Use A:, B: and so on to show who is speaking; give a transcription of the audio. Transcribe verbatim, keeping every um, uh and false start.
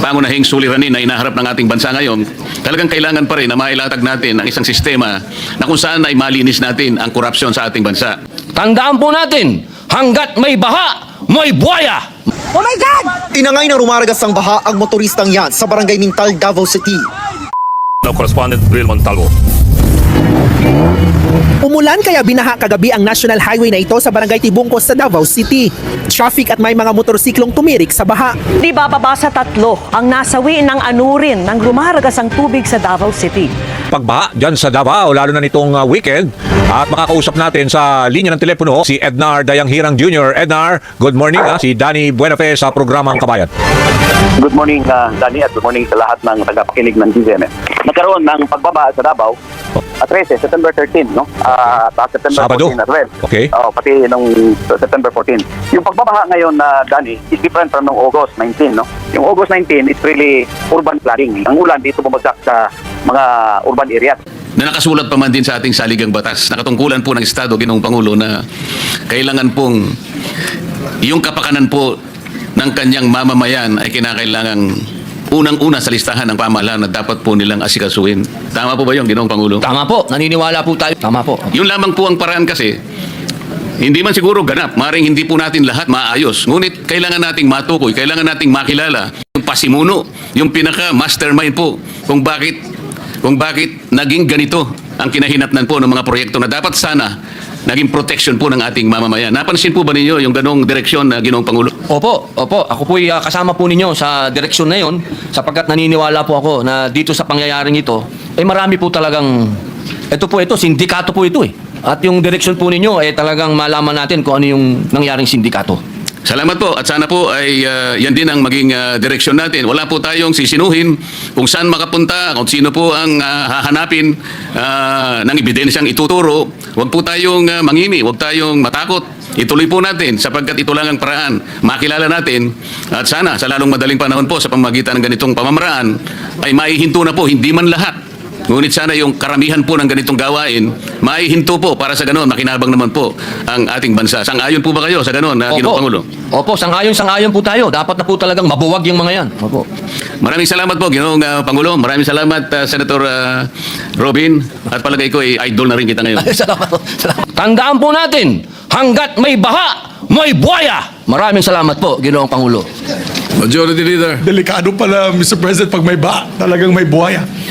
A: pangunahing suliranin na inaharap ng ating bansa ngayon, talagang kailangan pa rin na mailatag natin ang isang sistema na kung saan ay malinis natin ang korupsyon sa ating bansa.
B: Tandaan po natin, hanggat may baha, may buhaya.
C: Oh my God!
D: Inangay na rumaragas ang baha ang motoristang yan sa barangay Mintal, Davao City.
E: Now, correspondent Bill Montalvo.
C: Umulan kaya binaha kagabi ang national highway na ito sa barangay Tibungkos sa Davao City. Traffic at may mga motorsiklong tumirik sa baha.
F: Di bababa sa tatlo ang nasawi ng anurin ng lumaragas ang tubig sa Davao City.
G: Pagbaha dyan sa Davao, lalo na nitong uh, weekend. At makakausap natin sa linya ng telepono si Ednar Dayanghirang Junior Ednar, good morning. Ah. Si Danny Buenafe sa programang Kabayan.
H: Good morning, uh, Danny, at good morning sa lahat ng tagapakinig ng G C M. Nagkaroon ng pagbaba sa Davao at thirteen, September thirteen, no? Uh, at September
G: Sabado?
H: fourteen as well.
G: Okay.
H: Uh, pati nung September fourteen. Yung pagbabaha ngayon na, uh, Danny, is different from nung August nineteen, no? Yung August nineteen is really urban flooding. Ang ulan dito bumagsak sa mga urban areas.
A: Na nakasulat pa man din sa ating saligang batas, nakatungkulan po ng Estado, Ginoong Pangulo, na kailangan pong yung kapakanan po ng kanyang mamamayan ay kinakailangang unang-una sa listahan ng pamahalaan na dapat po nilang asikasuhin. Tama po ba yun, Ginoong Pangulo?
B: Tama po, naniniwala po tayo. Tama po.
A: Yun lamang po ang paraan kasi, hindi man siguro ganap, maring hindi po natin lahat maayos. Ngunit kailangan nating matukoy, kailangan nating makilala yung pasimuno, yung pinaka-mastermind po kung bakit kung bakit naging ganito ang kinahinatnan po ng mga proyekto na dapat sana naging protection po ng ating mamamayan. Napansin po ba ninyo yung ganong direksyon na Ginoong Pangulo?
B: Opo, opo. Ako po uh, kasama po ninyo sa direksyon na yon sapagkat naniniwala po ako na dito sa pangyayaring ito, eh marami po talagang, ito po ito, sindikato po ito eh. At yung direksyon po ninyo, eh talagang malaman natin kung ano yung nangyaring sindikato.
A: Salamat po at sana po ay uh, yan din ang maging uh, direksyon natin. Wala po tayong sisinuhin kung saan makapunta, kung sino po ang uh, hahanapin uh, ng ebidensyang ituturo. Huwag po tayong uh, mangimi, huwag tayong matakot. Ituloy po natin sapagkat ito lang ang paraan. Makilala natin at sana sa lalong madaling panahon po sa pamamagitan ng ganitong pamamaraan ay maihinto na po, hindi man lahat. Ngunit sana yung karamihan po ng ganitong gawain, maihinto po para sa ganoon, makinabang naman po ang ating bansa. Sang-ayon po ba kayo sa ganoon, na Ginoong Pangulo?
B: Opo, sang-ayon, sang-ayon po tayo. Dapat na po talagang mabuwag yung mga yan. Opo.
A: Maraming salamat po, Ginoong uh, Pangulo. Maraming salamat, uh, Senator uh, Robin. At palagay ko, eh, idol na rin kita ngayon.
B: Salamat po. Salamat. Tandaan po natin, hanggat may baha, may buhaya. Maraming salamat po, Ginoong Pangulo.
I: Majority Leader. Delikado pala, Mister President, pag may ba, talagang may buhaya.